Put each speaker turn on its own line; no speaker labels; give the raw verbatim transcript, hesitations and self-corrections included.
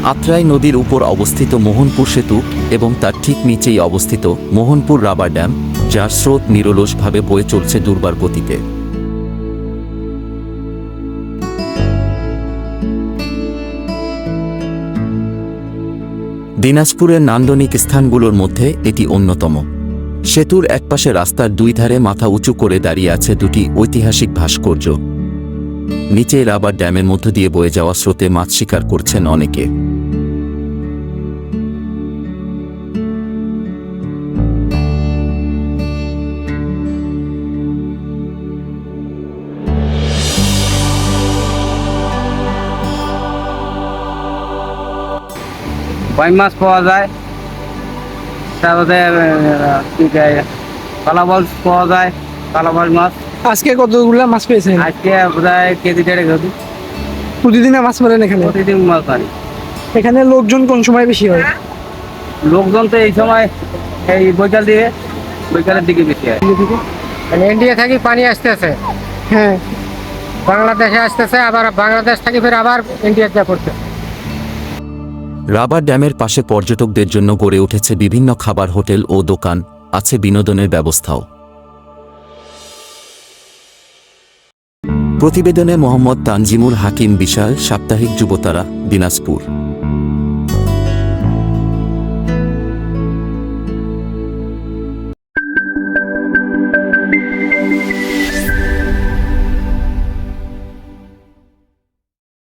আত্রাই নদীর উপর অবস্থিত মোহনপুর সেতু এবং তার ঠিক নিচেই অবস্থিত মোহনপুর রাবার ড্যাম, যার স্রোত নিরলসভাবে বয়ে চলছে দুর্বার গতিতে। দিনাজপুরের নান্দনিক স্থানগুলোর মধ্যে এটি অন্যতম। সেতুর একপাশে রাস্তার দুই ধারে মাথা উঁচু করে দাঁড়িয়ে আছে দুটি ঐতিহাসিক ভাস্কর্য। নিচে রাবার ড্যামের মধ্য দিয়ে বয়ে যাওয়া স্রোতে মাছ শিকার করছেন অনেকে।
কই মাছ পাওয়া যায়, তারপরে কালাবাল পাওয়া যায়, কালাবাল মাছ।
আজকে কতগুলো মাছ পেয়েছেন?
আজকে প্রায় কেজি দেড়েক হবে।
প্রতিদিন মাছ মারেন এখানে?
প্রতিদিন মাছ মারি।
এখানে লোকজন কোন সময় বেশি হয়?
লোকজন তো এই সময় এই বৈকাল দিয়ে বৈকালের দিকে বেশি হয়।
ইন্ডিয়া থেকে পানি আসতেছে,
হ্যাঁ,
বাংলাদেশে আসতেছে, আবার বাংলাদেশ থেকে ফের আবার ইন্ডিয়াতে পড়ছে।
রাবার ড্যামের পাশে পর্যটকদের জন্য গড়ে উঠেছে বিভিন্ন খাবার হোটেল ও দোকান, আছে বিনোদনের ব্যবস্থাও। প্রতিবেদনে মোহাম্মদ তানজিমুল হাকিম, বিশাল, সাপ্তাহিক যুবতারা, দিনাজপুর।